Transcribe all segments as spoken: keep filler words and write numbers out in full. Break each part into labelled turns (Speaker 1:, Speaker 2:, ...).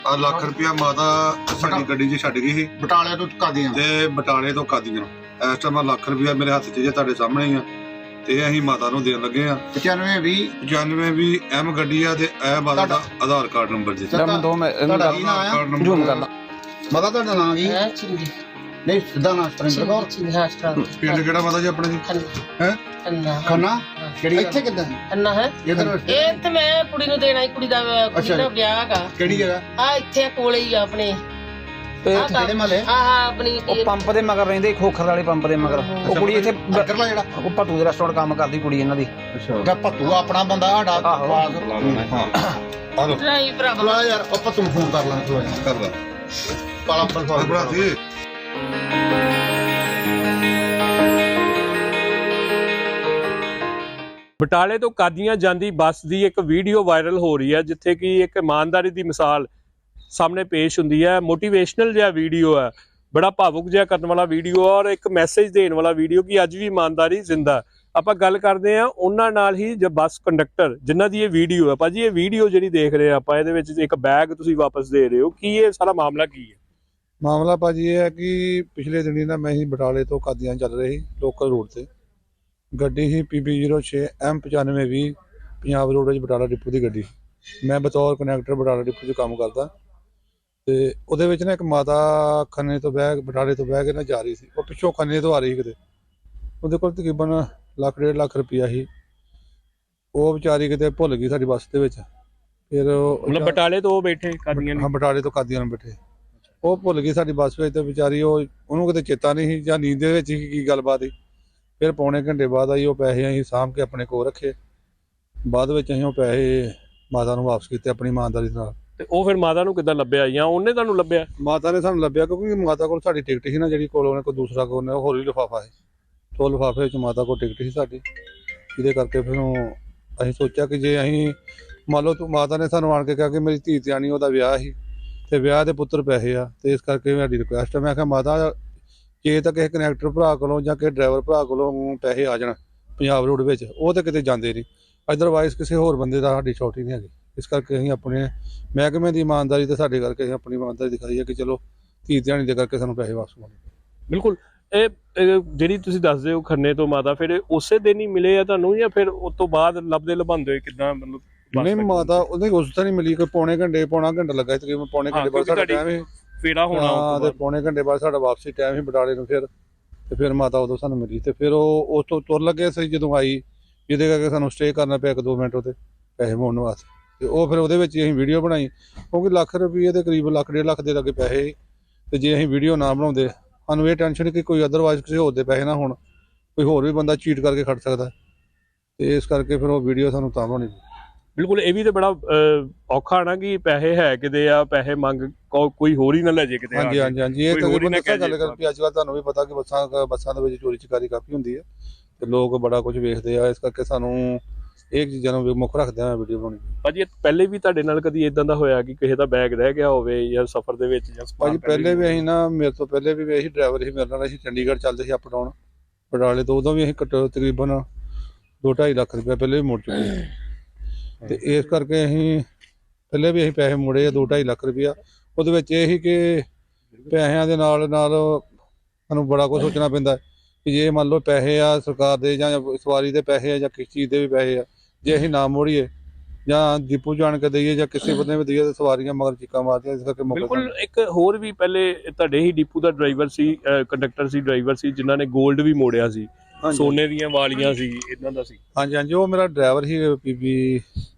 Speaker 1: ਆ ਲੱਖ ਰੁਪਇਆ ਮਾਤਾ ਸਾਡੀ ਗੱਡੀ 'ਚ ਛੱਡ ਗਈ ਸੀ
Speaker 2: ਬਟਾਲੇ ਤੋਂ ਕਾਦੀਆਂ
Speaker 1: ਤੇ ਬਟਾਲੇ ਤੋਂ ਕਾਦੀਆਂ। ਇਸ ਟਾਈਮ ਆ ਲੱਖ ਰੁਪਇਆ ਮੇਰੇ ਹੱਥ 'ਚ ਜੇ ਤੁਹਾਡੇ ਸਾਹਮਣੇ ਹੀ ਆ ਤੇ ਅਸੀਂ ਮਾਤਾ ਨੂੰ ਦੇਣ ਲੱਗੇ ਆ।
Speaker 2: ਪਚਾਨਵੇਂ ਵੀਹ
Speaker 1: ਪਚਾਨਵੇਂ ਵੀ ਐਮ ਗੱਡੀ ਆ ਤੇ ਇਹ ਮਾਤਾ ਦਾ ਆਧਾਰ ਕਾਰਡ ਨੰਬਰ ਜੀ।
Speaker 2: ਦੋ ਮੈਂ ਤੁਹਾਡਾ ਕੀ ਨਾਮ ਆ?
Speaker 1: ਜ਼ੂਮ ਕਰ ਲਾ।
Speaker 2: ਮਾਤਾ ਤੁਹਾਡਾ ਨਾਮ ਕੀ
Speaker 3: ਹੈ? ਚਿੰਦੀ।
Speaker 2: ਨਹੀਂ ਸਿੱਧਾ ਨਾਮ ਸਤਰਿੰਦਰ ਕੌਰ।
Speaker 3: ਚਿੰਦੀ ਹਾਂ ਸਟਰਾਂਗ।
Speaker 1: ਪਿੰਡ ਕਿਹੜਾ ਮਾਤਾ ਜੀ ਆਪਣੇ ਜੀ? ਹੈ
Speaker 3: ਅੰਨਾ
Speaker 2: ਖੰਨਾ ਕਿਹੜੀ ਇੱਥੇ ਕਿੱਦਾਂ
Speaker 3: ਅੰਨਾ ਹੈ
Speaker 2: ਇਧਰ
Speaker 3: ਇਹ ਤੇ ਮੈਂ ਕੁੜੀ ਨੂੰ ਦੇਣਾ ਹੀ ਕੁੜੀ ਦਾ ਕੁੜੀ ਦਾ ਵਿਆਹ ਹੈਗਾ।
Speaker 2: ਕਿਹੜੀ ਜਗ੍ਹਾ?
Speaker 3: ਆ ਇੱਥੇ ਕੋਲੇ ਹੀ ਆ ਆਪਣੇ
Speaker 2: ਕਿਹੜੇ ਮਹੱਲੇ?
Speaker 3: ਹਾਂ ਹਾਂ ਆਪਣੀ
Speaker 4: ਉਹ ਪੰਪ ਦੇ ਮਗਰ ਰਹਿੰਦੇ ਖੋਖਰ ਵਾਲੇ ਪੰਪ ਦੇ ਮਗਰ। ਉਹ ਕੁੜੀ ਇੱਥੇ
Speaker 2: ਬਰਗਰਲਾ ਜਿਹੜਾ
Speaker 4: ਉਹ ਭੱਤੂ ਦੇ ਰੈਸਟੋਰੈਂਟ ਕੰਮ ਕਰਦੀ ਕੁੜੀ ਇਹਨਾਂ ਦੀ।
Speaker 2: ਅੱਛਾ ਭੱਤੂ ਆਪਣਾ ਬੰਦਾ ਸਾਡਾ
Speaker 1: ਆ ਲੋ
Speaker 3: ਨਹੀਂ ਭਰਾ
Speaker 2: ਚਲਾ ਯਾਰ ਉਹ ਭੱਤੂ ਨੂੰ ਫੋਨ ਕਰ ਲਾਂ ਚਲੋ
Speaker 1: ਕਰ ਲਾ
Speaker 2: ਪਾਲਾ ਪਰ
Speaker 1: ਬਣਾ ਦੀ।
Speaker 5: ਬਟਾਲੇ ਤੋਂ ਕਾਦੀਆਂ ਜਾਂਦੀ ਬੱਸ ਦੀ ਇੱਕ ਵੀਡੀਓ ਵਾਇਰਲ ਹੋ ਰਹੀ ਹੈ ਜਿੱਥੇ ਕਿ ਇੱਕ ਇਮਾਨਦਾਰੀ ਦੀ ਮਿਸਾਲ ਸਾਹਮਣੇ ਪੇਸ਼ ਹੁੰਦੀ ਹੈ। ਮੋਟੀਵੇਸ਼ਨਲ ਜਿਹਾ ਵੀਡੀਓ ਹੈ, ਬੜਾ ਭਾਵੁਕ ਜਿਹਾ ਕਰਨ ਵਾਲਾ ਵੀਡੀਓ ਔਰ ਇੱਕ ਮੈਸੇਜ ਦੇਣ ਵਾਲਾ ਵੀਡੀਓ ਕਿ ਅੱਜ ਵੀ ਇਮਾਨਦਾਰੀ ਜ਼ਿੰਦਾ। ਆਪਾਂ ਗੱਲ ਕਰਦੇ ਹਾਂ ਉਹਨਾਂ ਨਾਲ ਹੀ ਜੋ ਬੱਸ ਕੰਡਕਟਰ ਜਿਨ੍ਹਾਂ ਦੀ ਇਹ ਵੀਡੀਓ ਹੈ। ਭਾਜੀ ਇਹ ਵੀਡੀਓ ਜਿਹੜੀ ਦੇਖ ਰਹੇ ਆਪਾਂ ਇਹਦੇ ਵਿੱਚ ਇੱਕ ਬੈਗ ਤੁਸੀਂ ਵਾਪਸ ਦੇ ਰਹੇ ਹੋ, ਕੀ ਇਹ ਸਾਰਾ ਮਾਮਲਾ ਕੀ ਹੈ?
Speaker 1: ਮਾਮਲਾ ਭਾਜੀ ਇਹ ਹੈ ਕਿ ਪਿਛਲੇ ਦਿਨੀ ਨਾ ਮੈਂ ਹੀ ਬਟਾਲੇ ਤੋਂ ਕਾਦੀਆਂ ਚੱਲ ਰਹੀ ਲੋਕਲ ਰੋਡ ਤੇ ਗੱਡੀ ਸੀ ਪੀ ਬੀ ਜ਼ੀਰੋ ਛੇ ਐਮ ਪਚਾਨਵੇਂ ਵੀਹ ਪੰਜਾਬ ਰੋਡ ਵਿੱਚ ਬਟਾਲਾ ਡਿਪੂ ਦੀ ਗੱਡੀ। ਮੈਂ ਬਤੌਰ ਕਨੈਕਟਰ ਬਟਾਲਾ ਡਿਪੂ 'ਚ ਕੰਮ ਕਰਦਾ ਤੇ ਉਹਦੇ ਵਿੱਚ ਨਾ ਇੱਕ ਮਾਤਾ ਖੰਨੇ ਤੋਂ ਬਹਿ ਬਟਾਲੇ ਤੋਂ ਬਹਿ ਕੇ ਨਾ ਜਾ ਰਹੀ ਸੀ। ਉਹ ਪਿੱਛੋਂ ਖੰਨੇ ਤੋਂ ਆ ਰਹੀ ਸੀ ਕਿਤੇ। ਉਹਦੇ ਕੋਲ ਤਕਰੀਬਨ ਲੱਖ ਡੇਢ ਲੱਖ ਰੁਪਈਆ ਸੀ। ਉਹ ਵਿਚਾਰੀ ਕਿਤੇ ਭੁੱਲ ਗਈ ਸਾਡੀ ਬੱਸ ਦੇ ਵਿੱਚ। ਫਿਰ
Speaker 5: ਮਤਲਬ ਬਟਾਲੇ ਤੋਂ ਉਹ ਬੈਠੇ ਕਾਦੀਆਂ
Speaker 1: ਹਾਂ ਬਟਾਲੇ ਤੋਂ ਕਾਦੀਆਂ ਨੂੰ ਬੈਠੇ ਉਹ ਭੁੱਲ ਗਈ ਸਾਡੀ ਬੱਸ ਵਿੱਚ ਤੇ ਵਿਚਾਰੀ ਉਹ ਉਹਨੂੰ ਕਿਤੇ ਚੇਤਾ ਨਹੀਂ ਸੀ ਜਾਂ ਨੀਂਦ ਦੇ ਵਿੱਚ ਹੀ ਕੀ ਗੱਲਬਾਤ ਸੀ। ਫਿਰ ਪੌਣੇ ਘੰਟੇ ਬਾਅਦ ਆਈ ਉਹ ਪੈਸੇ ਅਸੀਂ ਸਾਂਭ ਕੇ ਆਪਣੇ ਕੋਲ ਰੱਖੇ। ਬਾਅਦ ਵਿੱਚ ਅਸੀਂ ਉਹ ਪੈਸੇ ਮਾਤਾ ਨੂੰ ਵਾਪਸ ਕੀਤੇ ਆਪਣੀ ਇਮਾਨਦਾਰੀ ਨਾਲ।
Speaker 5: ਤੇ ਉਹ ਫਿਰ ਮਾਤਾ ਨੂੰ ਕਿੱਦਾਂ ਲੱਭਿਆ ਜਾਂ ਉਹਨੇ ਤੁਹਾਨੂੰ ਲੱਭਿਆ?
Speaker 1: ਮਾਤਾ ਨੇ ਸਾਨੂੰ ਲੱਭਿਆ ਕਿਉਂਕਿ ਮਾਤਾ ਕੋਲ ਸਾਡੀ ਟਿਕਟ ਸੀ ਨਾ ਜਿਹੜੀ ਕੋਲ ਉਹਨੇ ਕੋਈ ਦੂਸਰਾ ਕੋਲ ਨੇ ਹੋਰ ਹੀ ਲਿਫਾਫਾ ਸੀ। ਉਹ ਲਿਫਾਫੇ ਵਿੱਚ ਮਾਤਾ ਕੋਲ ਟਿਕਟ ਸੀ ਸਾਡੀ, ਜਿਹਦੇ ਕਰਕੇ ਫਿਰ ਅਸੀਂ ਸੋਚਿਆ ਕਿ ਜੇ ਅਸੀਂ ਮੰਨ ਲਓ ਤੂੰ ਮਾਤਾ ਨੇ ਸਾਨੂੰ ਆਣ ਕੇ ਕਿਹਾ ਕਿ ਮੇਰੀ ਧੀ ਧਿਆਣੀ ਉਹਦਾ ਵਿਆਹ ਸੀ ਤੇ ਵਿਆਹ ਦੇ ਪੁੱਤਰ ਪੈਸੇ ਆ ਤੇ ਇਸ ਕਰਕੇ ਸਾਡੀ ਰਿਕੁਐਸਟ ਹੈ। ਮੈਂ ਕਿਹਾ ਮਾਤਾ ਜੇ ਤਾਂ ਕਿਸੇ ਕਨੈਕਟਰ ਭਰਾ ਕੋਲੋਂ ਜਾਂ ਕਿਸੇ ਡਰਾਈਵਰ ਭਰਾ ਕੋਲੋਂ ਪੈਸੇ ਆ ਜਾਣ ਪੰਜਾਬ ਰੋਡ ਵਿੱਚ ਉਹ ਤਾਂ ਕਿਤੇ ਜਾਂਦੇ ਨਹੀਂ, ਅਦਰਵਾਈਜ਼ ਕਿਸੇ ਹੋਰ ਬੰਦੇ ਦਾ ਸਾਡੀ ਛੋਟੀ ਨਹੀਂ ਹੈਗੀ। ਇਸ ਕਰਕੇ ਅਸੀਂ ਆਪਣੇ ਮਹਿਕਮੇ ਦੀ ਇਮਾਨਦਾਰੀ ਤੇ ਸਾਡੇ ਕਰਕੇ ਅਸੀਂ ਆਪਣੀ ਇਮਾਨਦਾਰੀ ਦਿਖਾਈ ਹੈ ਕਿ ਚਲੋ ਧੀ ਧਿਆਣੀ ਦੇ ਕਰਕੇ ਸਾਨੂੰ ਪੈਸੇ ਵਾਪਸ ਮਿਲਣ।
Speaker 5: ਬਿਲਕੁਲ। ਇਹ ਜਿਹੜੀ ਤੁਸੀਂ ਦੱਸਦੇ ਹੋ ਖੰਨੇ ਤੋਂ ਮਾਤਾ ਫਿਰ ਉਸੇ ਦਿਨ ਹੀ ਮਿਲੇ ਆ ਤੁਹਾਨੂੰ ਜਾਂ ਫਿਰ ਉਸ ਤੋਂ ਬਾਅਦ ਲੱਭਦੇ ਲਭਾਉਂਦੇ ਹੋਏ ਕਿੱਦਾਂ? ਮਤਲਬ
Speaker 1: ਨਹੀਂ ਮਾਤਾ ਉਹਨੇ ਉਸ ਤਾਂ ਨਹੀਂ ਮਿਲੀ, ਕੋਈ ਪੌਣੇ ਘੰਟੇ ਪੌਣਾ ਘੰਟਾ ਲੱਗਾ ਤਕਰੀਬਨ ਪੌਣੇ ਘੰਟੇ ਬਾਅਦ ਸਾਡਾ ਟਾਈਮ ਸੀ
Speaker 5: ਫੇਰਾ ਹੋਣਾ
Speaker 1: ਤੇ ਪੌਣੇ ਘੰਟੇ ਬਾਅਦ ਸਾਡਾ ਵਾਪਸੀ ਟਾਈਮ ਸੀ ਬਟਾਲੇ ਨੂੰ। ਫਿਰ ਤੇ ਫਿਰ ਮਾਤਾ ਉਦੋਂ ਸਾਨੂੰ ਮਿਲੀ ਤੇ ਫਿਰ ਉਹ ਉਸ ਤੋਂ ਤੁਰ ਲੱਗੇ ਸੀ ਜਦੋਂ ਆਈ, ਜਿਹਦੇ ਕਰਕੇ ਸਾਨੂੰ ਸਟੇ ਕਰਨਾ ਪਿਆ ਇੱਕ ਦੋ ਮਿੰਟ ਉਹਦੇ ਪੈਸੇ ਮੋੜਨ ਵਾਸਤੇ। ਤੇ ਉਹ ਫਿਰ ਉਹਦੇ ਵਿੱਚ ਅਸੀਂ ਵੀਡੀਓ ਬਣਾਈ ਕਿਉਂਕਿ ਲੱਖ ਰੁਪਈਏ ਦੇ ਕਰੀਬ ਲੱਖ ਡੇਢ ਲੱਖ ਦੇ ਲੱਗੇ ਪੈਸੇ ਸੀ ਤੇ ਜੇ ਅਸੀਂ ਵੀਡੀਓ ਨਾ ਬਣਾਉਂਦੇ ਸਾਨੂੰ ਇਹ ਟੈਨਸ਼ਨ ਕਿ ਕੋਈ ਅਦਰਵਾਈਜ਼ ਕਿਸੇ ਹੋਰ ਦੇ ਪੈਸੇ ਨਾ ਹੋਣ, ਕੋਈ ਹੋਰ ਵੀ ਬੰਦਾ ਚੀਟ ਕਰਕੇ ਖੜ ਸਕਦਾ ਤੇ ਇਸ ਕਰਕੇ ਫਿਰ ਉਹ ਵੀਡੀਓ ਸਾਨੂੰ ਤਾਂ ਬਣਾਉਣੀ।
Speaker 5: ਬਿਲਕੁਲ। ਇਹ ਵੀ ਤੇ ਬੜਾ ਔਖਾ ਨਾ ਕਿ ਪੈਸੇ ਹੈ ਕਿਤੇ ਆ ਪੈਸੇ ਮੰਗ ਕੋਈ ਹੋਰ ਹੀ ਨਾ ਲੈ ਜੇ ਕਿਤੇ।
Speaker 1: ਹਾਂਜੀ ਹਾਂਜੀ ਹਾਂਜੀ ਇਹ ਤਕਰੀਬਨ ਦੱਸਿਆ ਗੱਲ ਕਰ ਵੀ ਅੱਜ ਕੱਲ੍ਹ ਤੁਹਾਨੂੰ ਵੀ ਪਤਾ ਕਿ ਬੱਸਾਂ ਬੱਸਾਂ ਦੇ ਵਿੱਚ ਚੋਰੀ ਚਕਾਰੀ ਕਾਫੀ ਹੁੰਦੀ ਹੈ ਤੇ ਲੋਕ ਬੜਾ ਕੁਝ ਵੇਖਦੇ ਆ। ਇਸ ਕਰਕੇ ਸਾਨੂੰ ਇਹ ਚੀਜ਼ਾਂ ਨੂੰ ਮੁੱਖ ਰੱਖਦੇ ਆ ਵੀਡੀਓ ਬਣਾਉਣੀ।
Speaker 5: ਭਾਜੀ ਪਹਿਲੇ ਵੀ ਤੁਹਾਡੇ ਨਾਲ ਕਦੀ ਇਦਾਂ ਦਾ ਹੋਇਆ ਕਿ ਕਿਸੇ ਦਾ ਬੈਗ ਰਹਿ ਗਿਆ ਹੋਵੇ ਜਾਂ ਸਫ਼ਰ ਦੇ ਵਿੱਚ ਜਾਂ?
Speaker 1: ਭਾਜੀ ਪਹਿਲੇ ਵੀ ਅਸੀਂ ਨਾ ਮੇਰੇ ਤੋਂ ਪਹਿਲੇ ਵੀ ਇਹੀ ਡਰਾਈਵਰ ਸੀ ਮੇਰੇ ਨਾਲ, ਅਸੀਂ ਚੰਡੀਗੜ੍ਹ ਚੱਲਦੇ ਸੀ ਅਪ ਡਾਊਨ ਬਟਾਲੇ ਤੋਂ। ਉਦੋਂ ਵੀ ਅਸੀਂ ਘੱਟੋ ਤਕਰੀਬਨ ਦੋ ਢਾਈ ਲੱਖ ਰੁਪਏ ਪਹਿਲੇ ਵੀ ਮੋੜ ਚੁੱਕੇ ਤੇ ਇਸ ਕਰਕੇ ਅਸੀਂ ਪਹਿਲੇ ਵੀ ਅਸੀਂ ਪੈਸੇ ਮੋੜੇ ਆ ਦੋ ਢਾਈ ਲੱਖ ਰੁਪਇਆ। ਉਹਦੇ ਵਿੱਚ ਇਹ ਸੀ ਕਿ ਪੈਸਿਆਂ ਦੇ ਨਾਲ ਨਾਲ ਸਾਨੂੰ ਬੜਾ ਕੁਝ ਸੋਚਣਾ ਪੈਂਦਾ ਕਿ ਜੇ ਮੰਨ ਲਓ ਪੈਸੇ ਆ ਸਰਕਾਰ ਦੇ ਜਾਂ ਸਵਾਰੀ ਦੇ ਪੈਸੇ ਆ ਜਾਂ ਕਿਸ ਚੀਜ਼ ਦੇ ਵੀ ਪੈਸੇ ਆ, ਜੇ ਅਸੀਂ ਨਾ ਮੋੜੀਏ ਜਾਂ ਡਿਪੂ ਜਾਣ ਕੇ ਦਈਏ ਜਾਂ ਕਿਸੇ ਬੰਦੇ ਵੀ ਦਈਏ ਤਾਂ ਸਵਾਰੀਆਂ ਮਗਰ ਚੀਕਾਂ ਮਾਰਦੀਆਂ। ਇਸ ਕਰਕੇ
Speaker 5: ਬਿਲਕੁਲ। ਇੱਕ ਹੋਰ ਵੀ ਪਹਿਲੇ ਤੁਹਾਡੇ ਹੀ ਡਿਪੂ ਦਾ ਡਰਾਈਵਰ ਸੀ, ਕੰਡਕਟਰ ਸੀ, ਡਰਾਈਵਰ ਸੀ ਜਿਨ੍ਹਾਂ ਨੇ 골ਡ ਵੀ ਮੋੜਿਆ ਸੀ, ਸੋਨੇ ਦੀਆਂ ਵਾਲੀਆਂ ਸੀ, ਇਦਾਂ ਦਾ ਸੀ।
Speaker 1: ਹਾਂਜੀ ਹਾਂਜੀ ਉਹ ਮੇਰਾ ਡਰਾਈਵਰ ਸੀ ਪੀ ਬੀ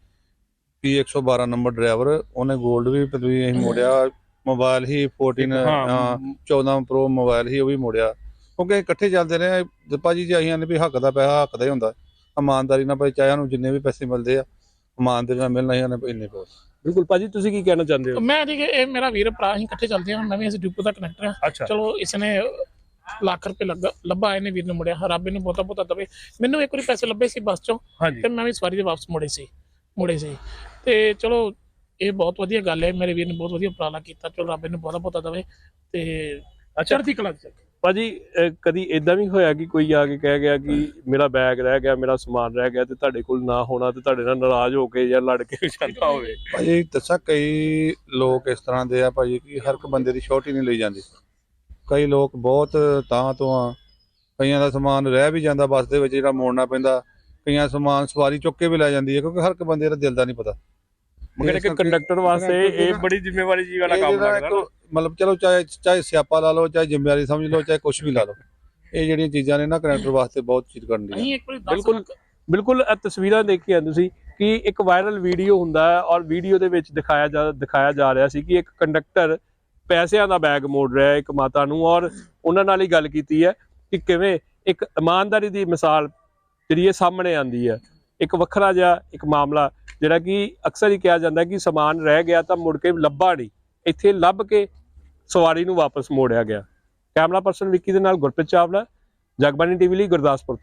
Speaker 1: ਪੀ ਇੱਕ ਸੌ ਬਾਰਾਂ ਨੰਬਰ ਡਰਾਈਵਰ, ਉਹਨੇ 골ਡ ਵੀ ਅਸੀਂ ਮੋੜਿਆ। ਮੋਬਾਈਲ ਹੀ ਫੋਰਟੀਨ ਚੌਦਾਂ ਪ੍ਰੋ ਮੋਬਾਈਲ ਹੀ ਉਹ ਵੀ ਮੋੜਿਆ ਕਿਉਂਕਿ ਇਕੱਠੇ ਚੱਲਦੇ ਰਹੇ ਭਾਜੀ। ਜੇ ਅਸੀਂ ਵੀ ਹੱਕ ਦਾ ਪੈਸਾ ਹੱਕ ਦਾ ਹੀ ਹੁੰਦਾ, ਇਮਾਨਦਾਰੀ ਨਾਲ ਭਾਈ ਚਾਹੇ ਉਹਨੂੰ ਜਿੰਨੇ ਵੀ ਪੈਸੇ ਮਿਲਦੇ ਆ ਇਮਾਨਦਾਰੀ ਨਾਲ ਮਿਲਣਾ ਹੀ ਉਹਨੇ ਇੰਨੇ ਪੈਸੇ।
Speaker 5: ਬਿਲਕੁਲ। ਭਾਜੀ ਤੁਸੀਂ ਕੀ ਕਹਿਣਾ ਚਾਹੁੰਦੇ ਹੋ?
Speaker 6: ਮੈਂ ਠੀਕ ਇਹ ਮੇਰਾ ਵੀਰ ਭਰਾ ਅਸੀਂ ਇਕੱਠੇ ਚੱਲਦੇ ਹਾਂ, ਮੈਂ ਵੀ ਇਸ ਡਿਪੂ ਦਾ ਕਨੈਕਟਰ ਹਾਂ। ਚਲੋ ਇਸ ਨੇ ਲੱਖ ਰੁਪਏ ਲੱਗਾ ਲੱਭਾ ਇਹਨੇ ਵੀਰ ਨੂੰ ਮੁੜਿਆ, ਰੱਬ ਇਹਨੂੰ ਬਹੁਤਾ ਬਹੁਤਾ ਦਵੇ। ਮੈਨੂੰ ਇੱਕ ਵਾਰੀ ਪੈਸੇ ਲੱਭੇ ਸੀ ਬੱਸ ਚੋਂ ਤੇ ਮੈਂ ਵੀ ਸਵਾਰੀ ਦੇ ਵਾਪਸ ਮੁੜੇ ਸੀ ਮੁੜੇ ਸੀ ਤੇ ਚਲੋ ਇਹ ਬਹੁਤ ਵਧੀਆ ਗੱਲ ਹੈ। ਮੇਰੇ ਵੀਰ ਨੇ ਬਹੁਤ ਵਧੀਆ ਉਪਰਾਲਾ ਕੀਤਾ, ਚਲੋ ਰੱਬ ਇਹਨੂੰ ਬਹੁਤਾ ਬਹੁਤਾ ਦਵੇ ਤੇ ਚੜ੍ਹਦੀ ਕਲਾ ਚ।
Speaker 5: ਭਾਜੀ ਅਹ ਕਦੀ ਇਦਾਂ ਵੀ ਹੋਇਆ ਕਿ ਕੋਈ ਆ ਕੇ ਕਹਿ ਗਿਆ ਕਿ ਮੇਰਾ ਬੈਗ ਰਹਿ ਗਿਆ, ਮੇਰਾ ਸਮਾਨ ਰਹਿ ਗਿਆ ਤੇ ਤੁਹਾਡੇ ਕੋਲ ਨਾ ਹੋਣਾ ਤੇ ਤੁਹਾਡੇ ਨਾਲ ਨਾਰਾਜ਼ ਹੋ ਕੇ ਜਾਂ ਲੜ ਕੇ ਜਾਂਦਾ ਹੋਵੇ?
Speaker 1: ਭਾਜੀ ਦੱਸਾਂ ਕਈ ਲੋਕ ਇਸ ਤਰ੍ਹਾਂ ਦੇ ਆ ਭਾਜੀ ਕਿ ਹਰ ਇੱਕ ਬੰਦੇ ਦੀ ਛੋਟੀ ਨਹੀਂ ਲਈ ਜਾਂਦੀ। ਕਈ ਲੋਕ ਬਹੁਤ ਤਾਂ ਤੋਂ ਆ, ਕਈਆਂ ਦਾ ਸਮਾਨ ਰਹਿ ਵੀ ਜਾਂਦਾ ਬੱਸ ਦੇ ਵਿੱਚ ਜਿਹੜਾ ਮੋੜਨਾ ਪੈਂਦਾ, ਕਈਆਂ ਸਮਾਨ ਸਵਾਰੀ ਚੁੱਕ ਕੇ ਵੀ ਲੈ ਜਾਂਦੀ ਹੈ ਕਿਉਂਕਿ ਹਰ ਇੱਕ ਬੰਦੇ ਦਾ ਦਿਲ ਦਾ ਨਹੀਂ ਪਤਾ।
Speaker 5: ਮਗਰ ਇੱਕ ਕੰਡਕਟਰ ਵਾਸਤੇ ਇਹ ਬੜੀ ਜ਼ਿੰਮੇਵਾਰੀ ਜੀ ਵਾਲਾ
Speaker 1: ਇਹ
Speaker 5: ਕੰਮ
Speaker 1: ਜਿਹੜਾ
Speaker 5: ਲੱਗਦਾ ਨਾ।
Speaker 1: ਇੱਕ ਮਤਲਬ ਚਲੋ ਚਾਹੇ ਚਾਹੇ ਸਿਆਪਾ ਲਾ ਲਓ, ਚਾਹੇ ਜ਼ਿੰਮੇਵਾਰੀ ਸਮਝ ਲਓ, ਚਾਹੇ ਕੁਝ ਵੀ ਲਾ ਲਓ, ਇਹ ਜਿਹੜੀਆਂ ਚੀਜ਼ਾਂ ਨੇ ਨਾ ਕੰਡਕਟਰ ਵਾਸਤੇ ਬਹੁਤ ਚੀਜ਼ ਕਰਨ ਦੀ।
Speaker 6: ਅਸੀਂ ਇੱਕ ਵਾਰੀ ਦਸ
Speaker 5: ਬਿਲਕੁਲ
Speaker 6: ਲੱਖ
Speaker 5: ਬਿਲਕੁਲ ਇਹ ਤਸਵੀਰਾਂ ਦੇਖੀਆਂ ਤੁਸੀਂ ਕਿ ਇੱਕ ਵਾਇਰਲ ਵੀਡੀਓ ਹੁੰਦਾ ਹੈ ਔਰ ਵੀਡੀਓ ਦੇ ਵਿੱਚ ਦਿਖਾਇਆ ਜਾ ਦਿਖਾਇਆ ਜਾ ਰਿਹਾ ਸੀ ਕਿ ਇੱਕ ਕੰਡਕਟਰ ਪੈਸਿਆਂ ਦਾ ਬੈਗ ਮੋੜ ਰਿਹਾ ਹੈ ਇੱਕ ਮਾਤਾ ਨੂੰ, ਔਰ ਉਹਨਾਂ ਨਾਲ ਹੀ ਗੱਲ ਕੀਤੀ ਹੈ ਕਿ ਕਿਵੇਂ ਇੱਕ ਇਮਾਨਦਾਰੀ ਦੀ ਮਿਸਾਲ ਜਿਹੜੀ ਇਹ ਸਾਹਮਣੇ ਆਉਂਦੀ ਹੈ। ਇੱਕ ਵੱਖਰਾ ਜਿਹਾ ਇੱਕ ਮਾਮਲਾ ਜਿਹੜਾ ਕਿ ਅਕਸਰ ਹੀ ਕਿਹਾ ਜਾਂਦਾ ਕਿ ਸਮਾਨ ਰਹਿ ਗਿਆ ਤਾਂ ਮੁੜ ਕੇ ਲੱਭਾ ਨਹੀਂ, ਇੱਥੇ ਲੱਭ ਕੇ ਸਵਾਰੀ ਨੂੰ ਵਾਪਸ ਮੋੜਿਆ ਗਿਆ। ਕੈਮਰਾ ਪਰਸਨ ਵਿੱਕੀ ਦੇ ਨਾਲ ਗੁਰਪ੍ਰੀਤ ਚਾਵਲਾ, ਜਗਬਾਣੀ ਟੀਵੀ ਲਈ ਗੁਰਦਾਸਪੁਰ ਤੋਂ।